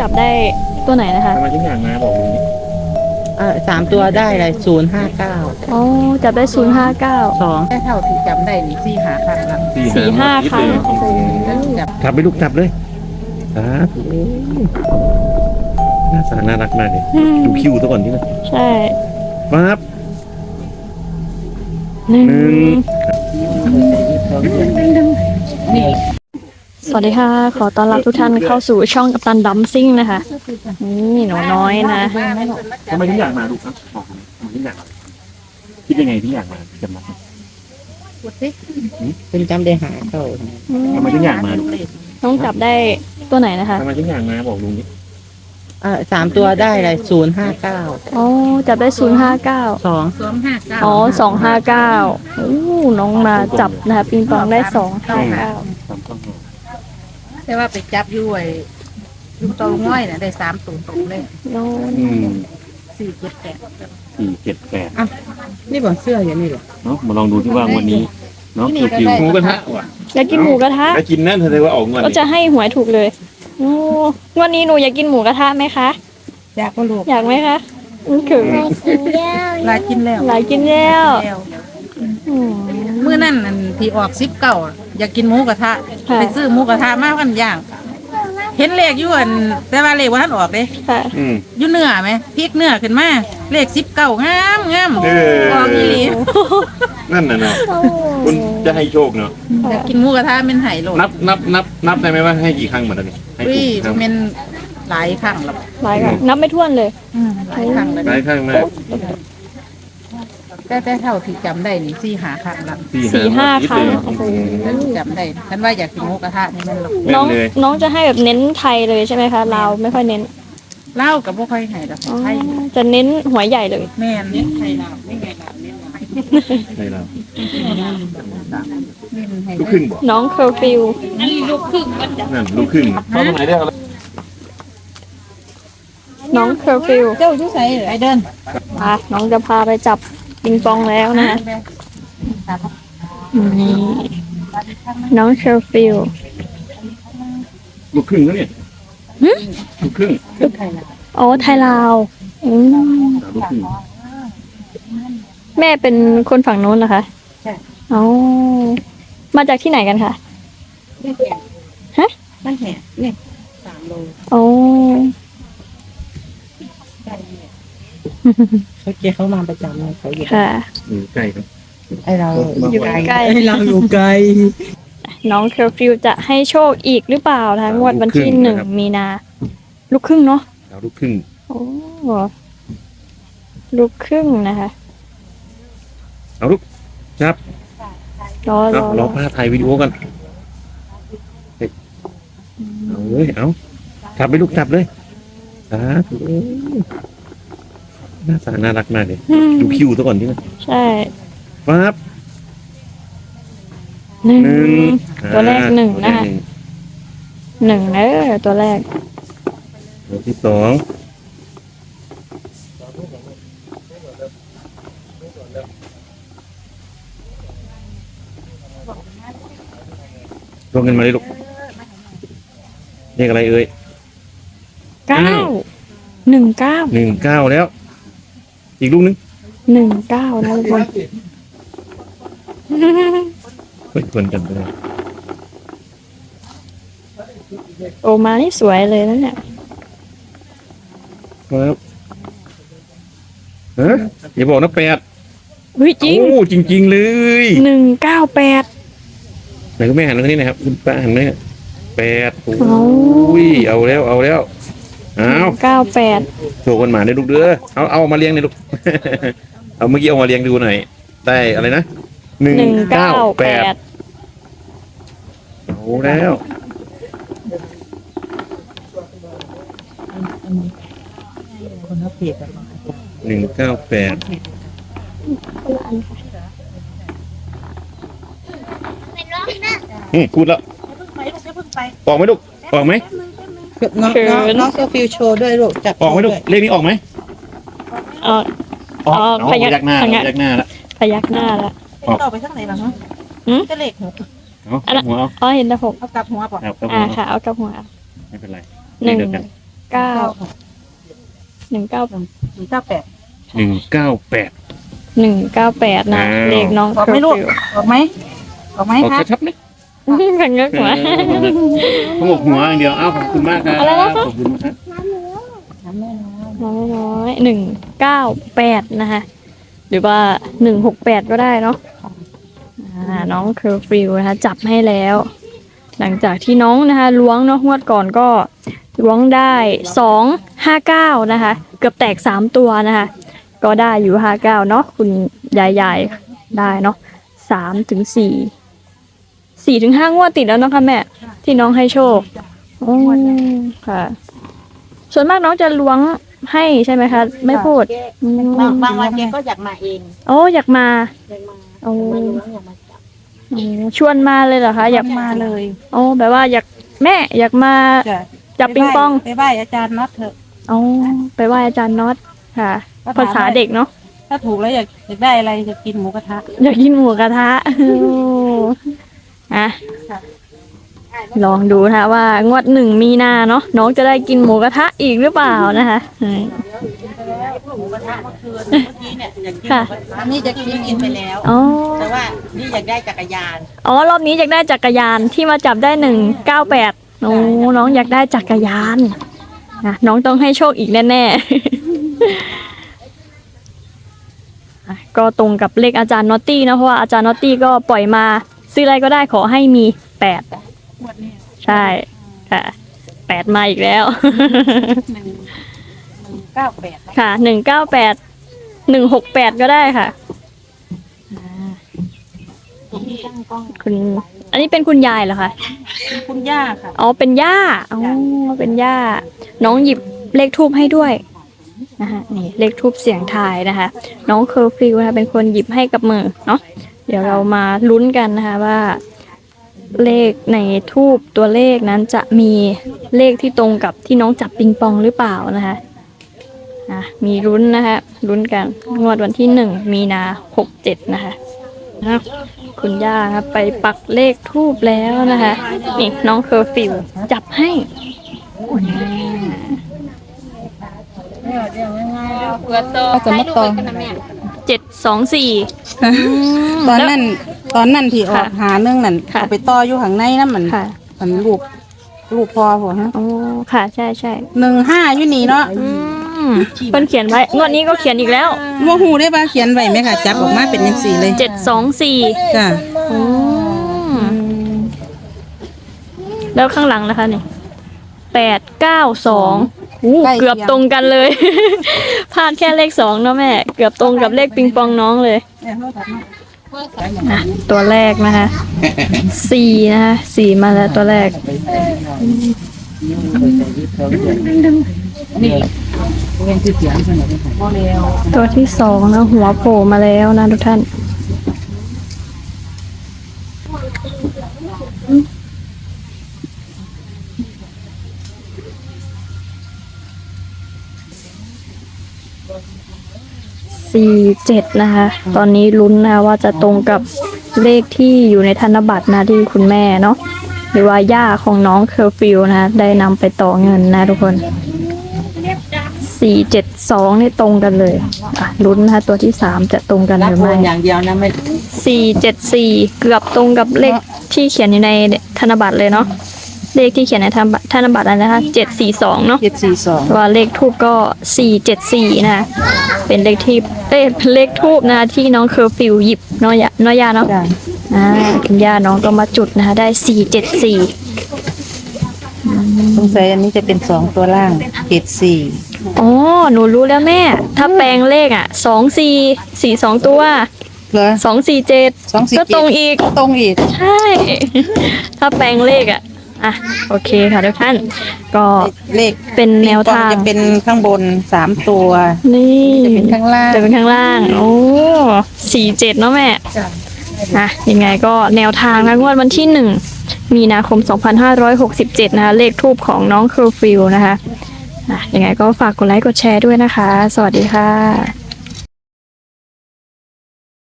จับได้ตัวไหนนะคะทำไมทุกอย่างมาบอกลุงนี่ 3 ตัวได้เลย059 อ๋อจับได้059 2ได้เท่าที่จำได้นี่4 หาครั้งละสี่ห้าครั้งจับจับไปลูกจับเลยสาธุหน้าตาน่ารักมากเลยดูคิวซะก่อนที่นะใช่ปั๊บหนึ่หนึ่งนี่สวัสดีค่ะ ขอต้อนรับทุกท่านเข้าสู่ช่องกัปตันดัมซิ่งนะคะนี่หนูน้อยนะทำไมทุกอย่างมาลูกครับบอกเลยทำไมทุกอย่างมาคิดยังไงทุกอย่างมาจำมาเป็นจำได้หาเข้าทำไมทุกอย่างมาลูกน้องจับได้ตัวไหนนะคะทำไมทุกอย่างมาบอกลุงนี่ 3 ตัวได้เลย059 อ๋อจับได้059 2 อ๋อ259โอ้น้องมาจับนะคะปิงปองได้259 ตามต้องหาแต่ว่าไปจับอยู่ไอ้ลูกตอลุงน้อยน่ะได้3ตัวตรงเลยน้อง 478 478 นี่บอกเสื้ออย่างนี้เหรอเนาะมาลองดูที่ว่าวันนี้เนาะคิวหมูกระทะว่ะอยากกินหมูกระทะแล้วกินนั่นแสดงว่าออกเงินก็จะให้หวยถูกเลยโอ้วันนี้หนูอยากกินหมูกระทะไหมคะอยากบ่ลูกอยากไหมคะคือลากินแล้วหลายกินแล้วแล้วอืมมื้อนั้นอันที่ออก19อยากกินหมูกระทะค่ะไปซื้อหมูกระทะมากันย่าง เห็นเลขอยู่อันแต่ว่าเลขบ่ทันออกเด้ค่ะอยู่เนื้อไหมพริกเนื้อขึ้นมาเลข19งามงามเออออกอีหลีนั่นน่ะเนาะคุณจะให้โชคเนาะอยากกินหมูกระทะเป็นไห้โลดนับได้ไหมว่าให้กี่ครั้งเหมือนกันนี่ให้อุ้ยกี่ครั้งเป็นหลายครั้งแล้วหลายค่ะนับไม่ถ้วนเลยหลายครั้งแล้วหลายครั้งมากแต่เท่าที่จำได้นี่4 หาครั้งละสี่ห้าครั้งจำได้ฉันว่าอยากกินหมูกระทะนี่แมันหรอกน้องน้องจะให้แบบเน้นไทยเลยใช่ไหมคะลาวไม่ค่อยเน้นเหล้ากับพวกค่อยให้ดอกอ๋อไทยจะเน้นหัวใหญ่เลยแม่นเนี่ยไทยลาวไม่ไงลาวเนี่ยในเราให้ลูกครึ่งบ่น้องเคอร์ฟิวนั่นลูกครึ่งเข้าตรงไหนได้ครับน้องเคอร์ฟิวเจ้าชื่อไสไอเดินน้องจะพาไปจับปิงปองแล้วนะนี่น้องเคอร์ฟิวลูกครึ่งแล้วเนี่ยลูกครึ่งอ๋อไทยลาวอืมลูกครึ่งแม่เป็นคนฝั่งโน้นเหรอคะใช่อ๋อมาจากที่ไหนกันคะ ฮะมันแห่นี่3 โลอ๋อเขามาประจำเลยเขาอยู่ค่ะใกล้ครับไอเราอยู่ไกลใกล้ไอเราอยู่ไกลน้องเคอร์ฟิวจะให้โชคอีกหรือเปล่าคะงวดวันที่1 มีนา ลูกครึ่งเนาะเราลูกครึ่งโอ้ลูกครึ่งนะคะเอาลูกจับรอเราพาถ่ายวิดีโอกันเอาเลยเอาจับไปลูกจับเลยสาธุหน้าตาน่ารักมากเลยดูคิวซะก่อนที่นะใช่ปั๊บหนึ่งหนึ่งตัวแรกหนึ่งนะคะหนึ่งตัวแรกตัวที่สองลงเงินมาเลยลูกเรียกอะไรเอ่ย 19 19แล้ว อีกลูกนึง 19นะทุกคนเฮ้ยชวนกันไปเลยโอมานี่สวยเลยนะเนี่ยครับเฮ้ยอย่าบอกนะ8 เฮ้ยจริงโอ้จริง ๆ เลย 198 ไหนคุณแม่หันมาทางนี้หนะครับคุณป้าหันไหม8โอ้โอ้ยเอาแล้วเอา 98 โชว์คนหมาได้ลูกเด้อเอามาเลี้ยงหน่อยลูก เอาเมื่อกี้เอามาเลี้ยงดูหน่อยได้อะไรนะ198 เอาแล้วคนเขาเปียกกัน 198พูดแล้วออกไหมลูกออกไหมน้องเซอร์ฟิวโชว์ด้วยลูกจับออกไหมลูกเลขนี้ออกไหมอ๋อออกพยักยักหน้ายักหน้าแล้วพยักหน้าแล้วต่อไปทางไหนบ้างฮะก็เลข6 เอาหัวเอาอ๋อเห็นแต่6 เอากลับหัวป่ะครับค่ะเอากับหัวไม่เป็นไรหนึ่งเดียวกัน 198 198 นะอ้าวเลขน้องออกไหมลูกออกไหมออกไหมออกคะชัดๆไหมขันเงือกหัวขมกหัวอย่างเดียวอ้าวขอบคุณมากครับอะไรนะคะขอบคุณมากครับน้อย198นะคะหรือว่า168ก็ได้เนาะน้องเคอร์ฟิวนะคะจับให้แล้ว หลังจากที่น้องนะคะล้วงเนาะงวดก่อนก็ล้วงได้259นะคะเกือบแตก3ตัวนะคะก็ได้อยู่59เนาะคุณยายได้เนาะ3 ถึง 4 ถึง 5งวดติดแล้วเนาะค่ะแม่ที่น้องให้โชคค่ะส่วนมากน้องจะล้วงให้ใช่ไหมคะไม่พูดบางวันแกก็อยากมาเองโอ้อยากมาอยากมาโอ้มาล้วงอยากมาจับชวนมาเลยเหรอคะอยากมาเลยโอ้แบบว่าอยากแม่อยากมาจะจับปิงปองไปไหว้อาจารย์น็อตเถอะอ๋อไปไหว้อาจารย์น็อตค่ะก็ถามภาษาเด็กเนาะถ้าถูกแล้วอยากได้อะไรจะกินหมูกระทะอยากกินหมูกระทะอ่ะลองดูนะคะว่างวด1 มีนาเนาะน้องจะได้กินหมูกระทะอีกหรือเปล่านะคะหมูกระทะเมื่อคืนเมื่อกี้เนี่ยอยากกินหมูกระทะอันนี้จะกินไปแล้วอ๋อแต่ว่านี่อยากได้จักรยานอ๋อรอบนี้อยากได้จักรยานที่มาจับได้198โอ้น้องอยากได้จักรยานนะน้องต้องให้โชคอีกแน่ๆก็ตรงกับเลขอาจารย์นอตตี้นะเพราะว่าอาจารย์นอตตี้ก็ปล่อยมาซื้ออะไรก็ได้ขอให้มี8ใช่ค่ะ8มาอีกแล้ว 198 ค่ะ198 168ก็ได้ค่ะคุณอันนี้เป็นคุณยายเหรอคะคุณย่าค่ะอ๋อเป็นย่าอ๋อเป็นย่าน้องหยิบเลขทูบให้ด้วยนะคะนี่เลขทูบเสียงทายนะคะน้องเคอร์ฟิวนะคะเป็นคนหยิบให้กับมือเนาะเดี๋ยวเรามาลุ้นกันนะคะว่า เลขในทูบตัวเลขนั้นจะมีเลขที่ตรงกับที่น้องจับปิงปองหรือเปล่านะคะมีลุ้นนะคะลุ้นกันงวดวันที่1 มีนา67นะคะคุณย่าครับไปปักเลขทูบแล้วนะคะนี่น้องเคอร์ฟิวจับให้จะมาต่อ 724 ตอนนั้นที่ออกค่ะหาเรื่องนั่นค่ะเอาไปต่ออยู่ข้างในนั่นมันค่ะมันลูกพอหัวฮะอ๋อค่ะใช่ใช่ 15อยู่นี่เนาะเพิ่นเขียนไว้งวดนี้ก็เขียนอีกแล้วว่าหูได้ป่ะเขียนไว้ไหมค่ะจับออกมาเป็นยังสี่เลย 724 จ้ะแล้วข้างหลังนะคะนี่892เกือบตรงกันเลย พลาดแค่เลข2เนาะแม่เกือบตรงกับเลขปิงปองน้องเลยตัวแรกนะคะ4นะคะ4มาแล้วตัวแรกตัวที่2นะหัวโผล่มาแล้วนะทุกท่าน47นะคะตอนนี้ลุ้นนะว่าจะตรงกับเลขที่อยู่ในธนบัตรนะที่คุณแม่เนาะหรือว่าย่าของน้องเคอร์ฟิวนะได้นำไปต่อเงินนะทุกคน472นี่ตรงกันเลยลุ้นนะคะตัวที่3จะตรงกันหรับรือโอไม่นอย่างเดียวนะไม่ 474เกือบตรงกับเลขที่เขียนอยู่ในธนบัตรเลยเนาะเลขที่เขียนในธนบัตรอะไรนะคะ742เนาะ 742 ว่าเลขทูบก็474นะคะเป็นเลขที่เป็นเลขทูบนะคะที่น้องเคอร์ฟิวหยิบน้อยยาเนาะจ้ะคุณย่าน้องก็มาจุดนะคะได้474 สงสัยอันนี้จะเป็น2ตัวล่าง74 อ๋อหนูรู้แล้วแม่ถ้าแปลงเลข2442ตัวเหรอ 247ก็ตรงอีกตรงอีกใช่ ถ้าแปลงเลขโอเคค่ะทุกท่านก็เลขเป็นแนวทางจะเป็นข้างบน3ตัวนี่จะเป็นข้างล่างจะเป็นข้างล่าง โอ้47เนาะแม่ยังไงก็แนวทางนะงวดวันที่1 มีนาคม 2567นะคะเลขทูปของน้องเคอร์ฟิวนะคะยังไงก็ฝากกดไลค์กดแชร์ด้วยนะคะ สวัสดีค่ะ